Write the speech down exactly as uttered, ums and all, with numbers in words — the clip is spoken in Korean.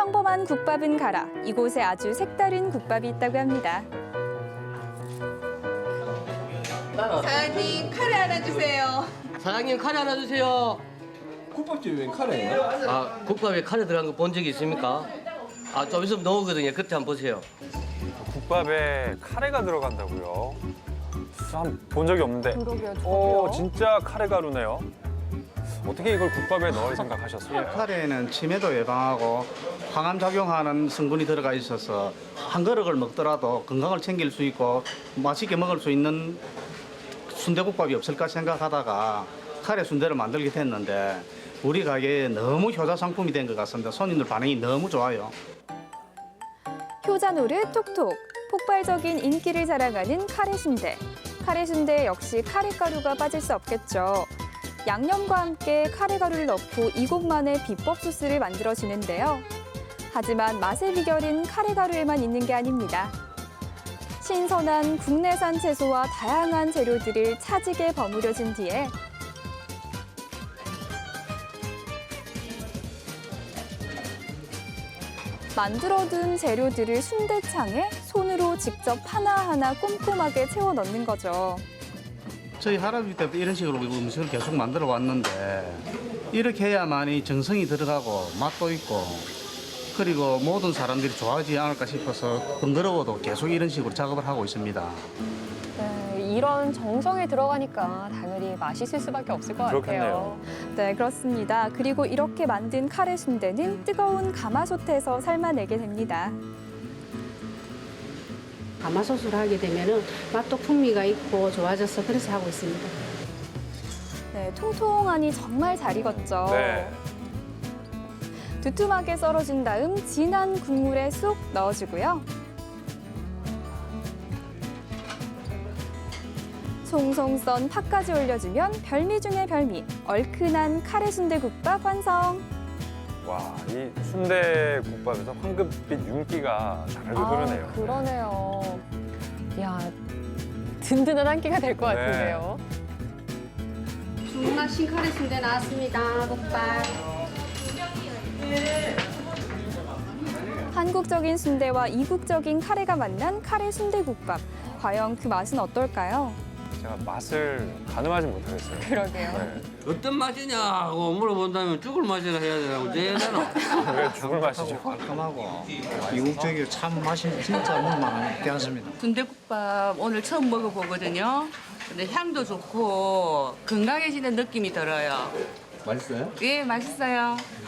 평범한 국밥은 가라. 이곳에 아주 색다른 국밥이 있다고 합니다. 사장님 카레 하나 주세요. 사장님 카레 하나 주세요. 국밥집이 웬 카레예요? 아 국밥에 카레 들어간 거 본 적이 있습니까? 아 좀 있으면 나오거든요. 그때 한번 보세요. 국밥에 카레가 들어간다고요? 한 본 적이 없는데. 그러게요, 저도요. 오, 진짜 카레 가루네요. 어떻게 이걸 국밥에 넣을 생각하셨어요? 카레에는 치매도 예방하고 항암 작용하는 성분이 들어가 있어서 한 그릇을 먹더라도 건강을 챙길 수 있고 맛있게 먹을 수 있는 순대국밥이 없을까 생각하다가 카레 순대를 만들게 됐는데 우리 가게에 너무 효자 상품이 된 것 같습니다. 손님들 반응이 너무 좋아요. 효자 노릇 톡톡. 폭발적인 인기를 자랑하는 카레 순대. 카레 순대 역시 카레 가루가 빠질 수 없겠죠. 양념과 함께 카레 가루를 넣고 이곳만의 비법 소스를 만들어주는데요. 하지만 맛의 비결은 카레 가루에만 있는 게 아닙니다. 신선한 국내산 채소와 다양한 재료들을 차지게 버무려진 뒤에 만들어둔 재료들을 순대창에 손으로 직접 하나하나 꼼꼼하게 채워 넣는 거죠. 저희 할아버지 때부터 이런 식으로 음식을 계속 만들어 왔는데 이렇게 해야만이 정성이 들어가고 맛도 있고 그리고 모든 사람들이 좋아하지 않을까 싶어서 번거로워도 계속 이런 식으로 작업을 하고 있습니다. 네, 이런 정성이 들어가니까 당연히 맛있을 수밖에 없을 것 같아요. 네, 그렇습니다. 그리고 이렇게 만든 카레 순대는 뜨거운 가마솥에서 삶아내게 됩니다. 가마솥으로 하게 되면은 맛도 풍미가 있고 좋아져서 그래서 하고 있습니다. 네, 통통하니 정말 잘 익었죠. 네. 두툼하게 썰어준 다음 진한 국물에 쏙 넣어주고요. 송송 썬 팥까지 올려주면 별미 중의 별미, 얼큰한 카레 순대국밥 완성! 와, 이 순대 국밥에서 황금빛 윤기가 자르르 흐르네요. 아, 그러네요. 야, 든든한 한 끼가 될 것 네. 같은데요. 주문한 신카레 순대 나왔습니다. 국밥. 한국적인 순대와 이국적인 카레가 만난 카레 순대국밥. 과연 그 맛은 어떨까요? 제가 맛을 가늠하지 못하겠어요. 그러게요. 네. 어떤 맛이냐고 물어본다면 죽을 맛이라 해야 되라고 제대로. 왜 죽을 맛이죠? 깔끔하고 이국적이고 참 맛이 진짜 먹을만한 게 않습니다. 순대국밥 오늘 처음 먹어보거든요. 근데 향도 좋고 건강해지는 느낌이 들어요. 맛있어요? 예, 맛있어요.